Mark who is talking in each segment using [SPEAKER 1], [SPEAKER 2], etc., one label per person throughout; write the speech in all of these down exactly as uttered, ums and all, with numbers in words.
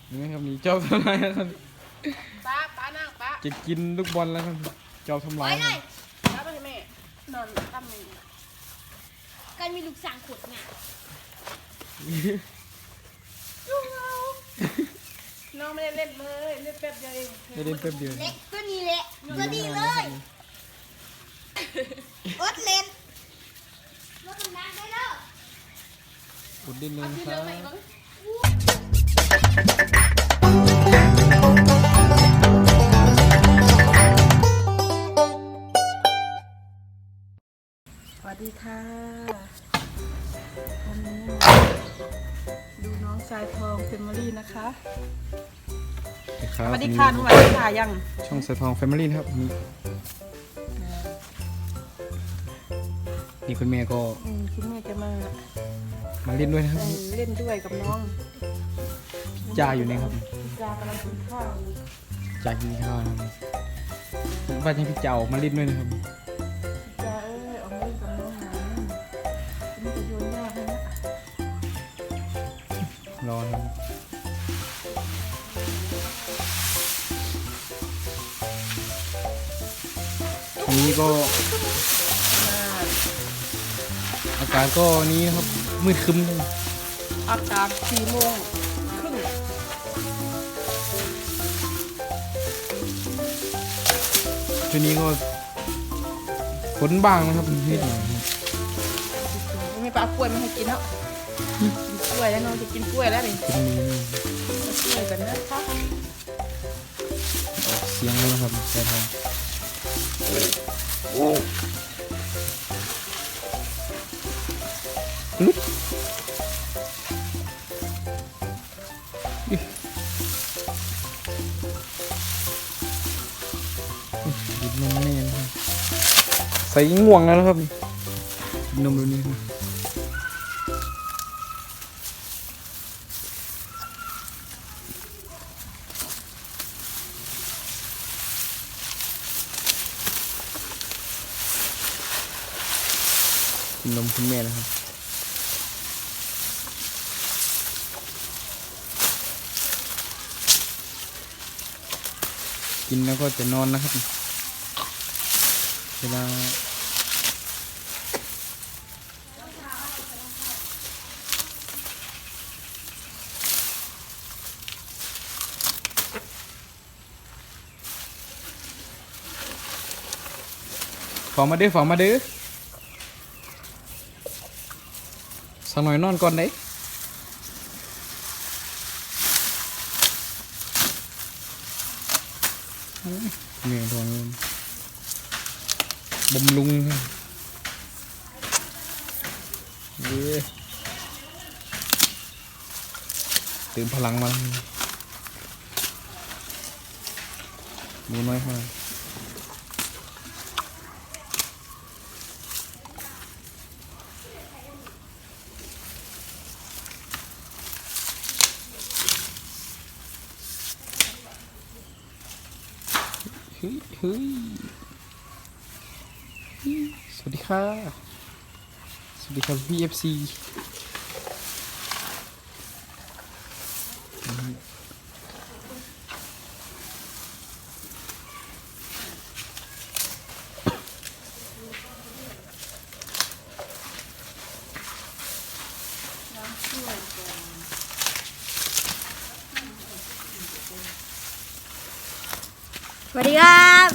[SPEAKER 1] นี่ครับนี่เจ้าทำลายครับ
[SPEAKER 2] ป้าป้านั่งป้า
[SPEAKER 1] จะกินลูกบอลแล้วครับเจ้าทำลาย
[SPEAKER 2] ป้าไปแม่นอนตั้มหนึ่ง
[SPEAKER 3] กันมีลูกสางขุดเนี่ย
[SPEAKER 2] น้องไม่ได้เล่นเลยเล่นแป๊บเดียวเอง
[SPEAKER 1] ไม่เล่นแป๊บเดียว
[SPEAKER 3] เล็กตัวนี้แหละตัวนี้เลยอดเล่นรถทำงานได้แล้ว
[SPEAKER 1] อุดดินเลยครับ
[SPEAKER 2] สวัสดีค่ะวันนี้ดูน้องทรายทองเฟมิลี่นะคะสวัสดีค่ะน้องหวานค่ะยัง
[SPEAKER 1] ช่องสายทองแฟมิลี่นะครับนี่นี่คุณแม่ก็
[SPEAKER 2] คุณแม่จะมา
[SPEAKER 1] มาเล่นด้วยนะครับ
[SPEAKER 2] เล่นด้วยกับน้อง
[SPEAKER 1] จ่าอยู่นี่ครับ
[SPEAKER 2] จ่ากำลังกินข้าว
[SPEAKER 1] จ่ากินข้าวนะครับว่าจะพี่เจ้ามาเล่นด้วยนะครับ
[SPEAKER 2] จ่าเอ้ยออกมาเล่นกับน้องหน่อยนี่จะโยนยากให้นะ
[SPEAKER 1] รอครับอันนี้ก็อากาศก็นี้นะครับมืดครึ้มเลย
[SPEAKER 2] อากาศสี่โมงครึ่ง
[SPEAKER 1] ช่วงนี้ก็ฝนบางนะครับนิดหน่อย
[SPEAKER 2] ไม่ปลากล้วยไม่ให้กินแล้วกินกล้วยแล้วน้องจะกินกล้วยแล้วนี่
[SPEAKER 1] กินมือก
[SPEAKER 2] ล้วยกันนะคะ
[SPEAKER 1] เสียงแล้วนะครับใช่ทองลุกดิบนมแน่นะครับใส่ง่วงแล้วนะครับนมดูนี่ครับกินนมคุณแม่นะครับกินแล้วก็จะนอนนะครับเวลาฝากมาดื้อฝากมาดื้อสักหน่อยนอนก่อนได้เหนื่อยทองบำรุงเย้เติมพลังมาดูน้อยมากเฮ้ยเฮ้ยสวัสดีค่ะสวัสดีครับ พี เอฟ ซี
[SPEAKER 3] สวัสดีครับ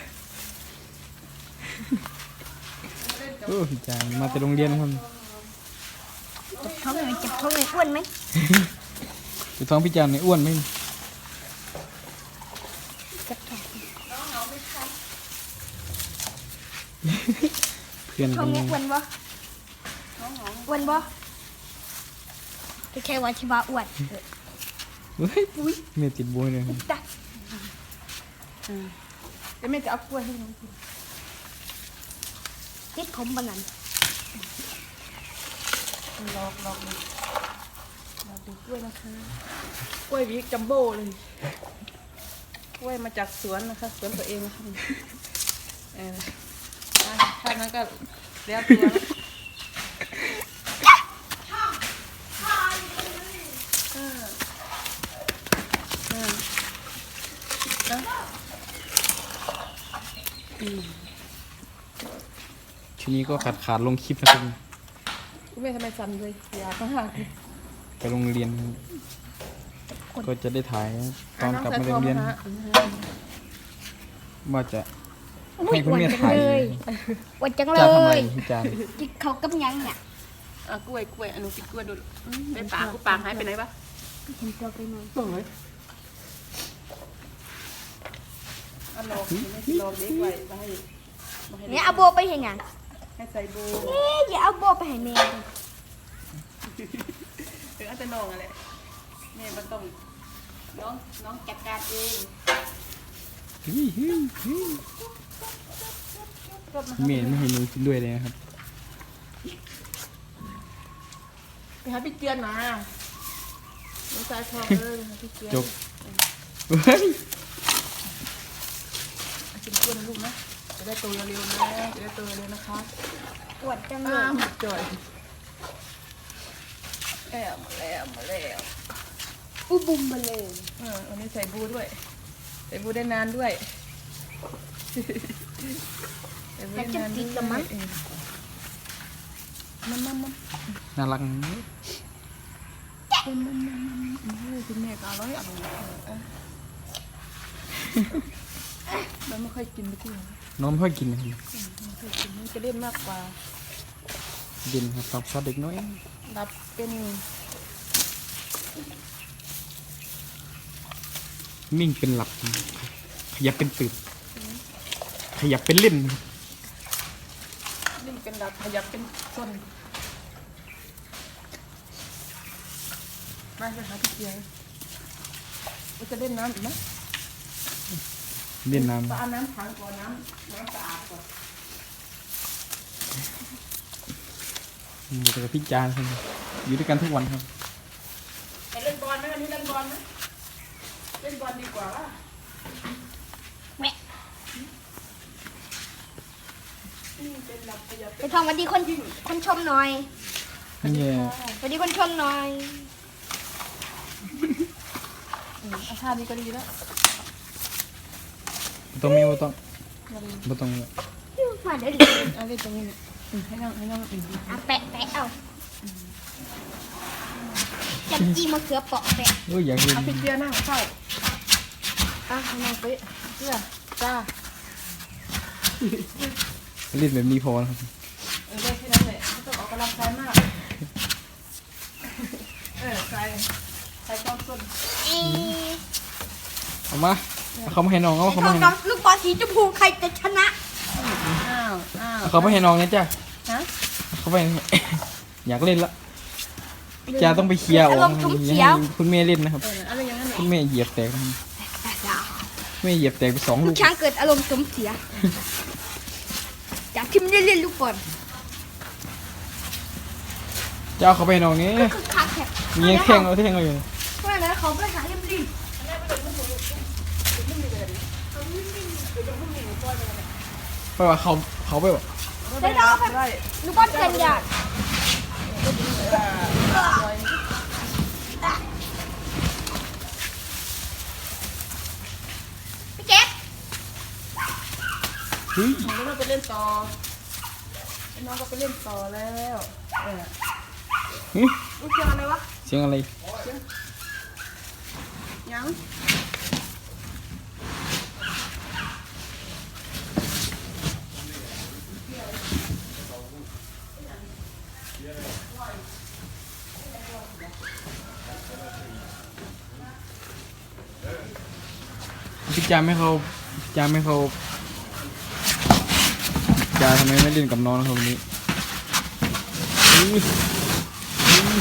[SPEAKER 1] โอ้พี่จางมาแต่โรงเรียนครับ
[SPEAKER 3] จับท้องเลยจับท้องเลยอ้วนไหม
[SPEAKER 1] จับท้องพี่จางเนี่ยอ้วนไหม
[SPEAKER 3] จับท้อง
[SPEAKER 1] เพื่อน
[SPEAKER 3] ท้องเนี่ยอ้วนบ่อ้วนบ่ไม่ใช่ว่าที่ว่าอ้วน
[SPEAKER 1] เฮ้ยปุ้ยเมียติดบัวเลย
[SPEAKER 2] จ้ะเดี๋ยวแม่จะเอากล้วยให้น้องกิน
[SPEAKER 3] ติดผมบางนั้น
[SPEAKER 2] ลอกลอกเลยลอกดูกล้วยนะคะกล้วยวิกจัมโบ้เลยกล้วยมาจากสวนนะคะสวนตัวเองนะคะเออถ้านั้นก็เรียบตัวแล้วนะ
[SPEAKER 1] ทีนี้ก็ขาดขาดลงคลิปนะครับ
[SPEAKER 2] คุณแม่ทำไมสั่นเลยอยากมาก
[SPEAKER 1] ไปโรงเรียน ก็จะได้ถ่ายตอนกลับมาโรงเรียน ว่าจะ ให้คุณแม่ถ่าย
[SPEAKER 3] หวานจังเล
[SPEAKER 1] จะทำไม
[SPEAKER 3] ย
[SPEAKER 1] พี่จาน
[SPEAKER 3] กินเขากับยังเนี่ย
[SPEAKER 2] อ่ะกล้วยกล้วยอนุกินกล้วยดูไปปากกูปากหายไปไหนปะ
[SPEAKER 3] เห็นตัวไปหน่อย
[SPEAKER 2] ส่งเลยอันลองไม่ลองเด็กไว้มาให้มาให้
[SPEAKER 3] เนี่ยเอาโบไปเห็นยัง
[SPEAKER 2] ให้ใส่โบ
[SPEAKER 3] เอ๊ะอย่าเอาโบไปให้แม่
[SPEAKER 2] ถึงอาจจะนองอะไรแม่มันต้องน้องน้องจัดการเอง
[SPEAKER 1] เมย์ไม่ให้หนูกินด้วยเลยนะครับ
[SPEAKER 2] ไปหาพี่เกียนมาน้องชายทองเลยพี่เกียน
[SPEAKER 1] จบเฮ้ย
[SPEAKER 2] กินกล้วยนะลูกนะจะได้โตเร็วๆนะจะได้โตเร็วๆนะคะ
[SPEAKER 3] หวานจังเล
[SPEAKER 2] อ้าย วจ่อยแอบมาแล้วมาแล้ว
[SPEAKER 3] อุบุมมาเลย
[SPEAKER 2] เออวันนี้ใส่บูด้วยใส่บูได้นานด้วยใส่บูได้นานด้วยเออมันมันมัน
[SPEAKER 1] น่ารัก
[SPEAKER 2] มันมันมันมันคุณแม่ก็อร่อยอร่อยเออมันไม่ค่อยกินไปที่ไหน
[SPEAKER 1] น้องไม่ค่อยกินนะครับ
[SPEAKER 2] ไม่ค่อยกินมันจะเล่นมากกว่า
[SPEAKER 1] เย็นครับตามชอบเด็กน้อย
[SPEAKER 2] รับเป็น
[SPEAKER 1] นิ่งเป็นหลับ ขยับเป็นตื่น ขยับเป็นเล่นนะครับ
[SPEAKER 2] นิ่งเป็นรับขยับเป็นส้นมาไปหาพี่เกียร์ว่าจะเล่นน้ำอีกไหม
[SPEAKER 1] เล่นน้
[SPEAKER 2] ก็เอาน้ำถังก่อนน้ำน้ำสะอาดก่อน
[SPEAKER 1] ำอยู่กับพี่จานครับอยู่ด้วยกันทุกวันครับ
[SPEAKER 2] ไปเล่นบอลไหมวันนี้เล่นบอลไหมเล่นบอลดีกว่าว่ะ
[SPEAKER 3] แม่
[SPEAKER 2] นิ่งเป็นรับขยับ
[SPEAKER 3] ไปทองวันดีคนคนชมหน่อย
[SPEAKER 1] นี่
[SPEAKER 3] วันดีคนชมหน่อย
[SPEAKER 2] อืมเอาท่านี้ก็ดีแล้ว
[SPEAKER 1] บ่ต้องมีบ่ต้องบ่ต้อง
[SPEAKER 3] มาเดี๋ยว
[SPEAKER 2] เอาเล่นตรงนี้เนี่ยอืมให้นั่งให้นั่งอืม
[SPEAKER 3] อ่ะแปะแปะเอาจับจีมะเขือเปาะแปะ
[SPEAKER 1] เอ้ยอยากเล่น
[SPEAKER 2] เอาพี่เกียร์นั่งเข้าอ่ะให้นั่งไปเกียร์จ้า
[SPEAKER 1] เล่นแบบนี้พอนะครับ
[SPEAKER 2] เออได้แค่นั้นแหละไม่ต้องออกกำลังกายมากเออใครใครต้องส้น
[SPEAKER 3] เอ๊ะ
[SPEAKER 1] เอามาเอาเขามาให้น้องเอา
[SPEAKER 3] ไอ้
[SPEAKER 1] เขา
[SPEAKER 3] ท
[SPEAKER 1] มา
[SPEAKER 3] อง
[SPEAKER 1] ให้
[SPEAKER 3] น้
[SPEAKER 1] น้
[SPEAKER 3] อ
[SPEAKER 1] อง
[SPEAKER 3] งลูกบอลสีชมพูใครจะชนะ
[SPEAKER 2] อ้าวอ้าว
[SPEAKER 1] เอาเขามาให้น้องเนี่ยจ้ะ
[SPEAKER 2] ฮะ
[SPEAKER 1] เอาเขาไป อยากเล่นละพี่จาต้องไปเคลียร์ออก
[SPEAKER 3] อารมณ์
[SPEAKER 1] นะครับ
[SPEAKER 3] ทุ้ม
[SPEAKER 1] อย่า
[SPEAKER 3] เขียว
[SPEAKER 1] ให้คุณแม่เล่นนะครับ
[SPEAKER 2] เอออะไรอย่างนั้น
[SPEAKER 1] คุณแม่เหยียบแตกนะครับแม่เหยียบแตกไปสอง
[SPEAKER 3] ลู
[SPEAKER 1] ลู
[SPEAKER 3] ก
[SPEAKER 1] ก
[SPEAKER 3] ช้างเกิดอารมณ์สมเสียจากที่ไม่ได้เล่นลูกบอล
[SPEAKER 1] จะเอาเขาไปให้น้องนี้
[SPEAKER 3] คือคักแค่
[SPEAKER 1] มียังแท่งเอาแท่งเอาอยู่
[SPEAKER 3] เพราะฉะนั้นเขาไปหาเล่มริม
[SPEAKER 1] เพราะว่าเขาเขาไปว่า
[SPEAKER 3] ได้ดอกไปลูกบอลเกินหยาดพี่เจ๊
[SPEAKER 1] เฮ้ย
[SPEAKER 2] น้องก็ไปเล่นต่อน้องก็ไปเล่นต่อแล้วเออ
[SPEAKER 1] เฮ้ย
[SPEAKER 2] ลูกเชียงอะไรวะ
[SPEAKER 1] เสียงอะไร
[SPEAKER 2] ยัง
[SPEAKER 1] พี่จาไม่เขาพี่จาไม่เขาจาทำไมไม่เล่นกับน้องนะครับวันนี้อื้ออื้อ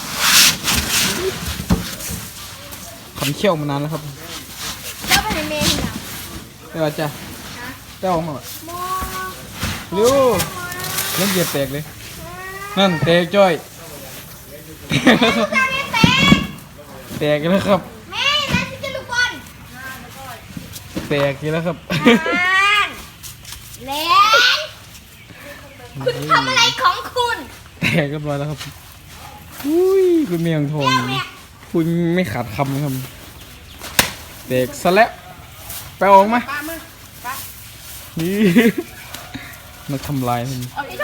[SPEAKER 1] ขันเขี้ยวมานานแล้วครับ
[SPEAKER 3] แล้วไปไหนเมย์เนี่ย
[SPEAKER 1] ได้ป่ะจ้ะได้ออกมาป่ะ
[SPEAKER 3] มอ
[SPEAKER 1] เร็วเล่นเหยียบแตกเลย นั่นแตกจ้อยแตกแล้วครับ
[SPEAKER 3] ตาเนี่ยแตก
[SPEAKER 1] แตกแล้วครับ
[SPEAKER 3] แม่นั่นคือลูกบอล
[SPEAKER 1] แตกอีกแล้วครับ
[SPEAKER 3] แลนคุณทำอะไรของคุณ
[SPEAKER 1] แตกกันมาแล้วครับ อุ้ยคุณเมียงทอง
[SPEAKER 3] แม่
[SPEAKER 1] คุณไม่ขาดคำนะครับแตกซะแล้วไปเอาออกมา
[SPEAKER 2] ปลามือปลา
[SPEAKER 1] นี่ มาทำลายมัน
[SPEAKER 2] เอาอีก